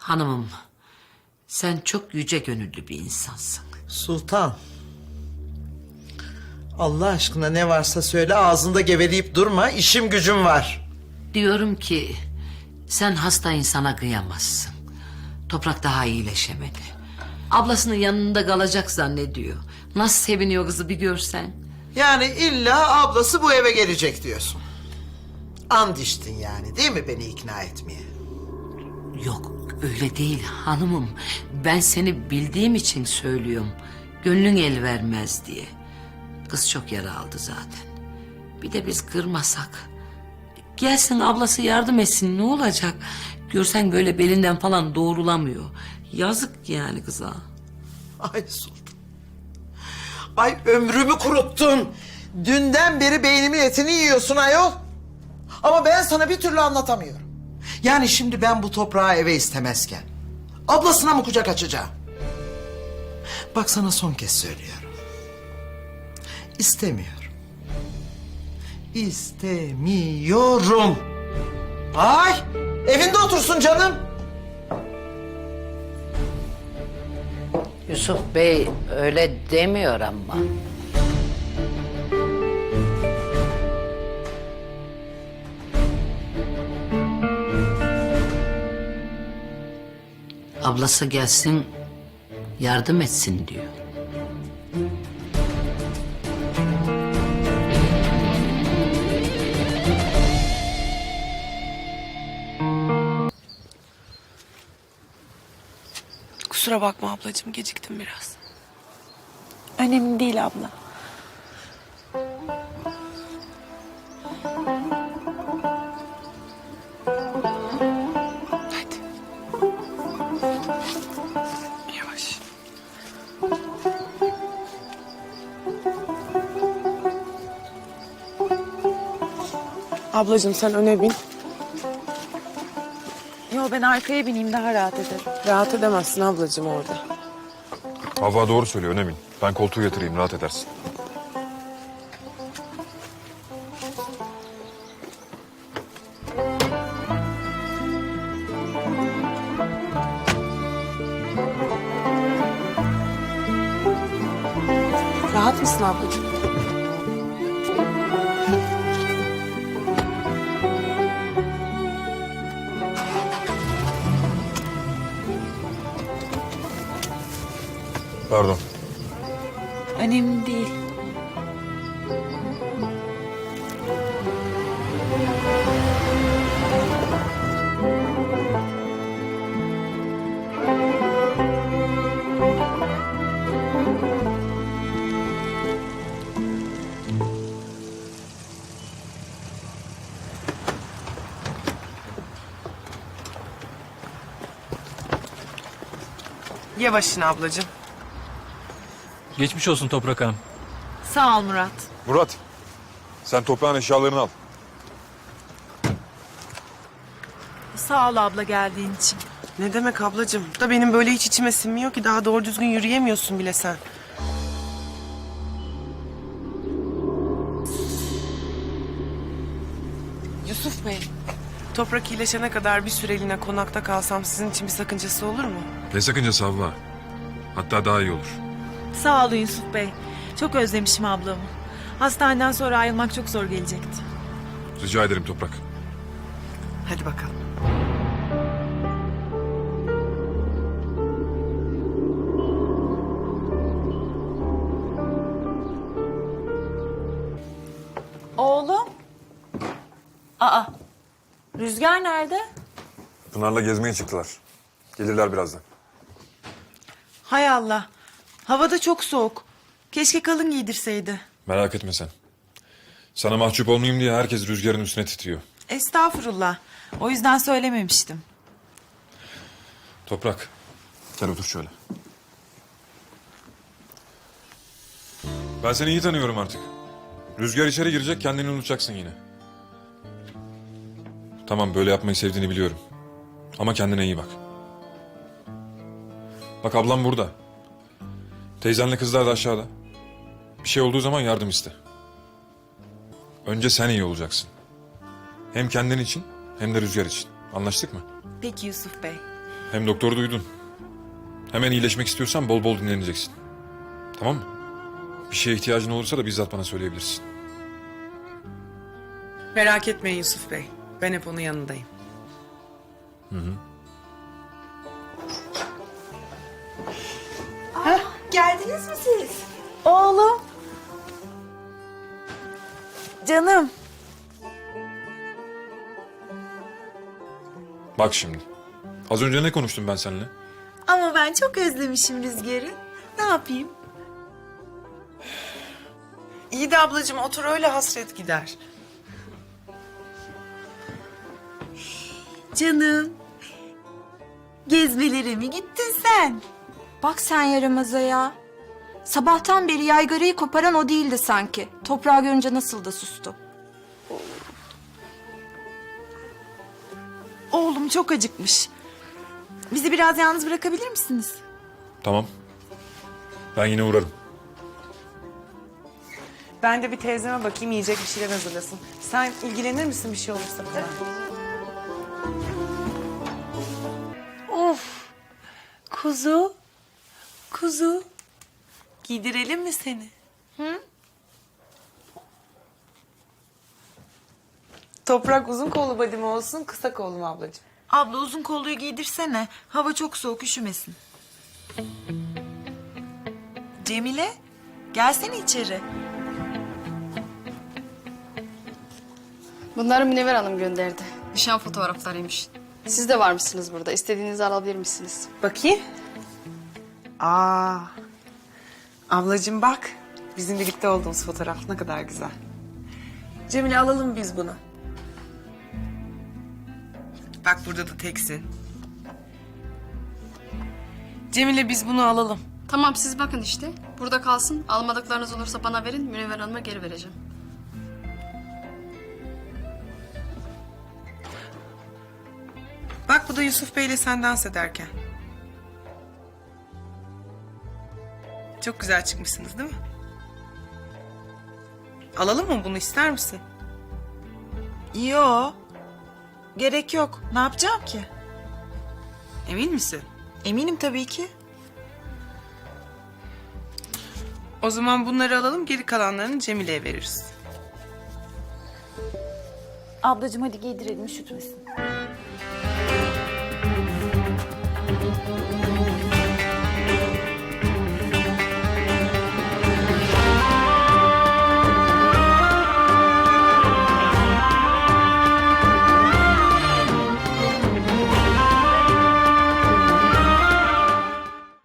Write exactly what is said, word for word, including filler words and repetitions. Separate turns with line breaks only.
Hanımım, sen çok yüce gönüllü bir insansın.
Sultan. Allah aşkına ne varsa söyle, ağzında geveleyip durma, işim gücüm var.
Diyorum ki sen hasta insana kıyamazsın. Toprak daha iyileşemedi. Ablasının yanında kalacak zannediyor. Nasıl seviniyor kızı bir görsen.
Yani illa ablası bu eve gelecek diyorsun. And içtin yani, değil mi beni ikna etmeye?
Yok öyle değil hanımım. Ben seni bildiğim için söylüyorum. Gönlün el vermez diye. Kız çok yara aldı zaten. Bir de biz kırmasak. Gelsin ablası yardım etsin, ne olacak? Görsen böyle belinden falan doğrulamıyor. Yazık yani kıza.
Ay Sultan. Ay ömrümü kuruttun. Dünden beri beynimin etini yiyorsun ayol. Ama ben sana bir türlü anlatamıyorum. Yani şimdi ben bu toprağı eve istemezken ablasına mı kucak açacağım? Bak sana son kez söylüyorum. İstemiyorum. İstemiyorum. Ay, evinde otursun canım.
Yusuf Bey öyle demiyor ama. Ablası gelsin, yardım etsin diyor.
Kusura bakma ablacığım, geciktim biraz.
Önemli değil abla.
Hadi. Yavaş. Ablacığım sen öne bin.
Yo, ben arkaya bineyim, daha rahat ederim.
Rahat edemezsin ablacığım orada.
Havva doğru söylüyor, ne bileyim. Ben koltuğu yatırayım, rahat edersin.
Rahat mısın ablacığım?
Pardon.
Önemli değil.
Yavaşın ablacığım.
Geçmiş olsun Toprak Hanım.
Sağ ol Murat.
Murat, sen toprağın eşyalarını al.
Sağ ol abla geldiğin için.
Ne demek ablacığım? Da benim böyle hiç içime sinmiyor ki, daha doğru düzgün yürüyemiyorsun bile sen. Yusuf Bey, toprak iyileşene kadar bir süreliğine konakta kalsam sizin için bir sakıncası olur mu?
Ne sakıncası Havva? Hatta daha iyi olur.
Sağ olun Yusuf Bey. Çok özlemişim ablamı. Hastaneden sonra ayrılmak çok zor gelecekti.
Rica ederim Toprak.
Hadi bakalım.
Oğlum. Aa. Rüzgar nerede?
Pınar'la gezmeye çıktılar. Gelirler birazdan.
Hay Allah. Havada çok soğuk. Keşke kalın giydirseydi.
Merak etme sen. Sana mahcup olmayayım diye herkes Rüzgar'ın üstüne titriyor.
Estağfurullah. O yüzden söylememiştim.
Toprak, gel otur şöyle. Ben seni iyi tanıyorum artık. Rüzgar içeri girecek, kendini unutacaksın yine. Tamam, böyle yapmayı sevdiğini biliyorum. Ama kendine iyi bak. Bak ablam burada. Teyzenle kızlar da aşağıda. Bir şey olduğu zaman yardım iste. Önce sen iyi olacaksın. Hem kendin için hem de Rüzgar için. Anlaştık mı?
Peki Yusuf Bey.
Hem doktoru duydun. Hemen iyileşmek istiyorsan bol bol dinleneceksin. Tamam mı? Bir şeye ihtiyacın olursa da bizzat bana söyleyebilirsin.
Merak etmeyin Yusuf Bey. Ben hep onun yanındayım.
Geldiniz mi siz? Oğlum. Canım.
Bak şimdi. Az önce ne konuştum ben seninle?
Ama ben çok özlemişim Rüzgar'ı. Ne yapayım?
İyi de ablacığım otur öyle hasret gider.
Canım. Gezmelere mi gittin sen?
Bak sen yaramaza ya. Sabahtan beri yaygarayı koparan o değildi sanki. Toprağı görünce nasıl da sustu.
Oğlum çok acıkmış. Bizi biraz yalnız bırakabilir misiniz?
Tamam. Ben yine uğrarım.
Ben de bir teyzeme bakayım yiyecek bir şeyler hazırlasın. Sen ilgilenir misin bir şey olursa bana? Of. Kuzu. Kuzu. Giydirelim mi seni? Hı? Toprak uzun kollu body mi olsun, kısa kollu mu ablacığım?
Abla uzun kolluyu giydirsene. Hava çok soğuk, üşümesin. Cemile, gelsene içeri.
Bunları Münevver Hanım gönderdi. Nişan fotoğraflarıymış. Siz de var mısınız burada? İstediğinizi alabilir misiniz?
Bakayım. Aa. Ablacığım bak. Bizim birlikte olduğumuz fotoğraf ne kadar güzel. Cemile alalım biz bunu. Bak burada da teksin. Cemile biz bunu alalım.
Tamam siz bakın işte. Burada kalsın. Almadıklarınız olursa bana verin. Münevver Hanım'a geri vereceğim.
Bak bu da Yusuf Bey ile sen dans ederken. Çok güzel çıkmışsınız değil mi? Alalım mı bunu, ister misin?
Yo, gerek yok. Ne yapacağım ki?
Emin misin?
Eminim tabii ki.
O zaman bunları alalım, geri kalanlarını Cemile'ye veririz.
Ablacığım hadi giydirelim üşütmesin.